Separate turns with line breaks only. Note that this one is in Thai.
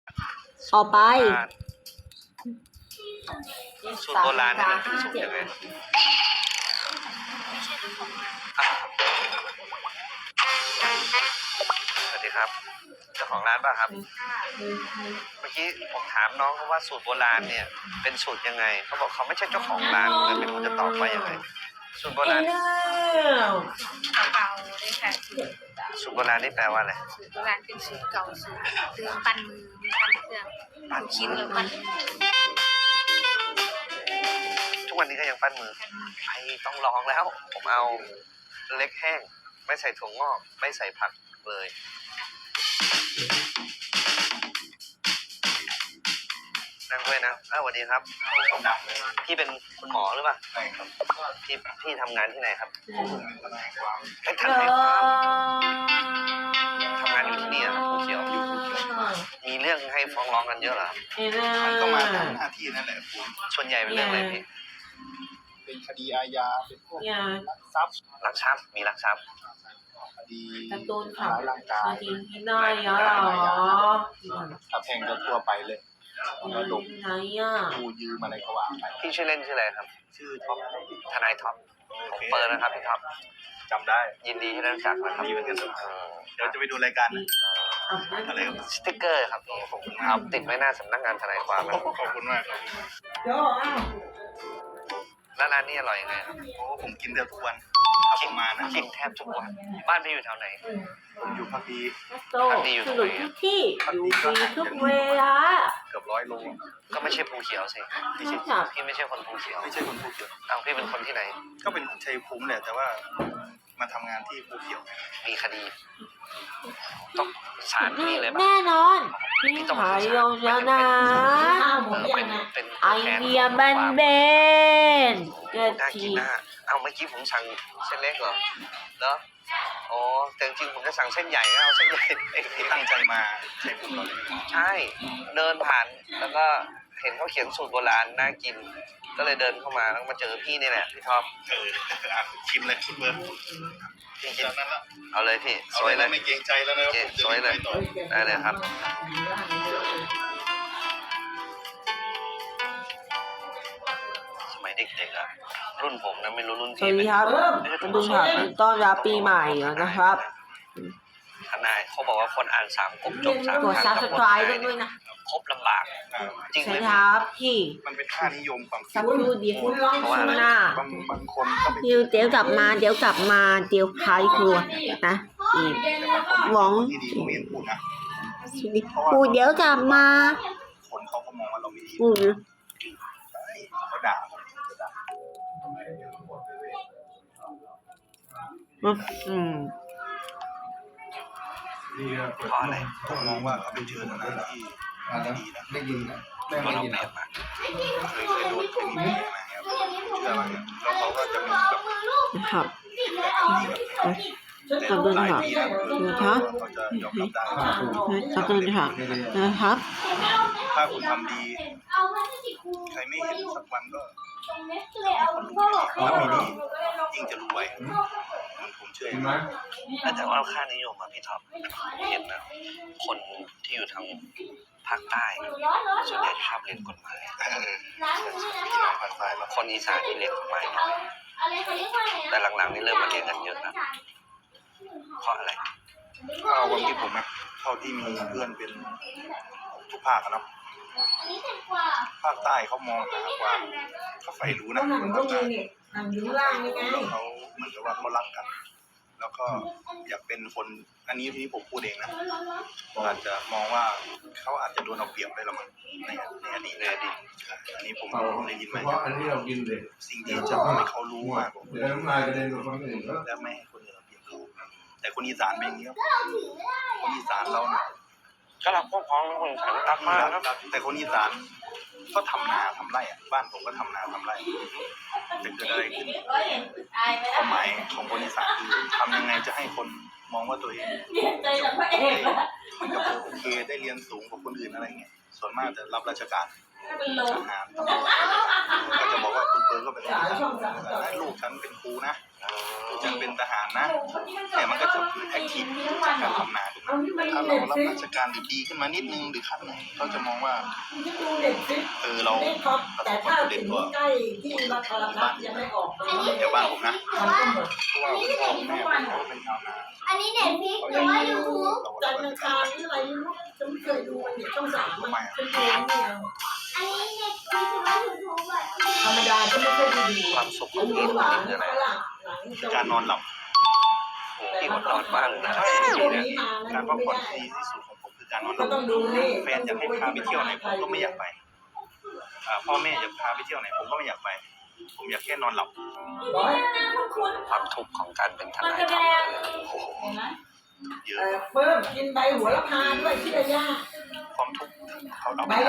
ออกไป
สูตรโบราณนี่มันคือสูตรยังไงสวัสดีครับเจ้าของร้านป่ะครับเมื่อกี้ผมถามน้องเขาว่าสูตรโบราณเนี่ยเป็นสูตรยังไงเขาบอกเขาไม่ใช่เจ้าของร้านเลยไม่รู้จะตอบว่ายังไงสูตรโบราณ
เก่าๆเลยค่ะ
สูตรโบราณนี่แปลว่าอะไร
สูตรโบราณเป็นสูตรเก่าสูตรเครื่องปั้นมือมีปั้นเครื่องปั้นชิ้นแล้วปั้น
ทุกวันนี้ก็ยังปั้นมือไปต้องลองแล้ว ผมเอาเล็กแห้งไม่ใส่ถั่วงอกไม่ใส่ผักเลยนั่งด้วยนะสวัสดีครับพี่เป็นคุณหมอหรือเปล่าใช่ครับพี่ทำงานที่ไหนครับเป็นทนายความทำงานอยู่ที่นี่ครับภูเขียวอยู่ภูเขียวมีเรื่องให้ฟ้องร้องกันเยอะเหรอครับ
มันก็มาตามหน้าที่นั่นแหละคุณ
ส่วนใหญ่เป็นเรื่องอะไรพี่
เป็นคดีอาญาเป็นพวกลักทรัพย์
ลักทรัพย์มีลักทรัพย์
คดี
การ์ตูน
ทำร้ายร่างกาย
ที่ไหนอ่ะเหรอ
ถ้าแพ่งก็ทั่วไปเลยแล้วลง
ไหนอ่ะ
กูยืมอะไรก็ว่าไป
พี่ชื่อเล่นชื่ออะไรครับ
ชื่อท็อป
ทนายท็อปผมเปิดนะครับพี่ท็อป
จำได้
ยินดีที่ได้รู้จักนะครับ
ดีเหมือนกันเดี๋ยวจะไปดูรายการนะอะไรครับ
สติ๊กเกอร์ครับพี่ผมเอาติดไว้หน้าสำนักงานทนายความนะ
ขอบคุณมากครับ
แล้วร้านนี้อร่อยยังไงครับ
โอ้ผมกินเดือดทุกวันถ้าผมมานะ
กินแทบทุกวันบ้านพี่อยู่แถวไหน
ผมอยู่พักดี
โตสนุกทุกที่อยู่ฟรีทุกเวลา
เกือบ100 โล
ก็ไม่ใช่ภูเขียวสิ
ไม่ใช่ค่ะ
พี่ไม่ใช่คนภูเขียว
ไม่ใช่คนภูเขียว
เอาพี่เป็นคนที่ไหน
ก็เป็นชัยภูมิแหละแต่ว่ามาทำงานที่ภูเขียว
มีคดีต้องศาลที่เลยปะ
แน่นอนพี่หายลงแล้วนะ
เป็น
ไอเดียแบนเบนเกิด
น่า
ที
กินหน้าเอาเมื่อกี้ผมสั่งเส้นเล็กเหรอแล้วอ๋อแต่จริงๆผมจะสั่งเส้นใหญ่นะเอาเส้นใหญ่เอง
ที่ตั้งใจมาชัยภูมิเราเลย
ใช่เดินผ่านแล้วก็เห็นเขาเขียนสูตรโบราณน่ากิน ก็เลยเดินเข้ามาแล้วมาเจอพี่นี่แหละพี่ท็อป
ชิมเลยคุณเบิร์ด
พี่กิน
จากนั้นละ
เอาเลยพี่
เอา
สวย
เลย
เล
นะ
ย
ไม่เกรงใจแล้วนะ
เจ๊สวยเลยได้เลยครับสมัยเด็กๆอะรุ่นผมนะไม่รู้รุ่น
สวั
พี่
สดีครับมาดูค่ะต้อนรับปีใหม่นะครับ
ทนายเขาบอกว่าคนอ่าน3 กบจบ3
กด subscribe ด้วยนะ
ครบลำบากจริงไหม
ใช่
พี่
ครับพี่
มันเป็นค่านิยมความคิ
สั
ด
กครู่เดียวช่วงหน้า
บางคนก็ไป
เดี๋ยวกลับมาเดี๋ยวพายครัวนะอีกหวัง
ที่ดีก็ไม่เห็นพูดนะ
พูดเดี๋ยวกลับมา
คนเขาก็มองว่าเราไม่ดี
พูด
เขาด่าผมจะด่า
อืม
เพราะอะไร
ผมมองว่าเขาเป็นเชิญอะไรที่ดีนะ
ได้ยินนะ
ก็เราเปรียบมา
เคยโดนเคยมีแผลมาครับเชื่อไหมแล้วเขาก็จะมีแบบ
นะครับ
แต่
ขอบคุณ
หลาย
ค่ะ
ปีแล้ว
นะคะ
เขาจะยอมรับได้
ขอบคุณค่ะนะครับ
ถ้าคุณทำดีใครไม่เห็นสักวันก็ถ้าไม่ดียิ่งจะรวยผมเชื่ออย่างนั้น
แต่ว่าค่านิยมอะพี่ท็อปผมเห็นนะคนที่อยู่ทางภาคใต้ส่วนใหญ่ชอบเรียนกฎหมาย
พี่น้องภาคใต้เรา
คนอีสานที่เรียนกฎหมายน้อยแต่หลังๆนี่เริ่มมาเรียนกันเยอะนะเพราะอะไร
ถ้าเอาความคิดผมนะเท่าที่มีเพื่อนเป็นทุกภาคอะเนาะภาคใต้เขามองหาความเขาใฝ่รู้นะคนภาคใต้แล้วเขาเหมือนกับว่าเขารักกัน แล้วก็อยากเป็นคนอันนี้ที่ผมพูดเองนะผมอาจจะมองว่าเขาอาจจะโดนเอาเปรียบได้ละมั้งในอดีตอันนี้ผมได้ยิน
เฉ
มา
พาะอันที่เรากินเลย
สิ่งที่จะทำให้เขารู้มากกว่า
เดี๋ยวน้ำลายกระเด็นมาคนอื่นก็
และไม่ให้คนอื่นเอาเปรียบเขาแต่คนอีสานเป็นอย่างนี้ครับคนอีสานเราเนี่ย
ก็รักพวกพ้องคนอีสานรักมากครับ
แต่คนอีสานก็ทำนาทำไร่อะบ้านผมก็ทำนาทำไร่จะเกิดอะไรขึ้นความหมายของคนอีสานคือทำยังไงจะให้คนมองว่าตัวเองมันก็โอเคได้เรียนสูงกว่าคนอื่นอะไรเงี้ยส่วนมากจะรับราชการทหารตำรวจก็จะบอกว่าคุณเปิร์ก็เป็นลูกฉันเป็นครูนะยังเป็นทหารนะแต่มันก็จะแอคทีฟจากการทำนาถูกไหมถ้าเรารับราชการดีขึ้นมานิดนึงหรือขั้นไหนเขาจะมองว่าเราประสบความสำเร็จกว่าบ้านเดี๋ยวบ้านผมนะเพราะว่าพ่อแม่เขาเป็นชาวนา
อันนี้เน็ตฟลิกหรือว่ายูทูบ
จันทร์อังคารนี่อะไรไม่รู้ฉันไม่เคยดูมันเนี่ยช่องสามมันเป็นเพลงเนี่ย
อันนี้เน็ตฟลิกหรือว่ายูทูบอ่ะ
ธรรมดาฉันไม่เคยดู
ความสุขของพี่ตอนนี้คืออะไร
การนอนหลับ
โอ้พี่อดนอนบ้างนะ
ใช่
พี่
ตัว
เนี่ย
นี้มา
การพักผ่อนที่ดีที่สุดของผมคือการนอนห
ก็
ลับ
ต้องดูนี่
แฟนอยากให้พาไปเที่ยวไหนผมก็ไม่อยากไปพ่อแม่อยากพาไปเที่ยวไหนผมก็ไม่อยากไป ผมอยากแค่นอนหลับ
ร้อย
ความทุกข์ของการเป็นทนายโอ้โห
เยอะ
เพิ่มกินใบหัวละพาด้วยที่ระยะ
ความทุกข์เขาเอา
ใบ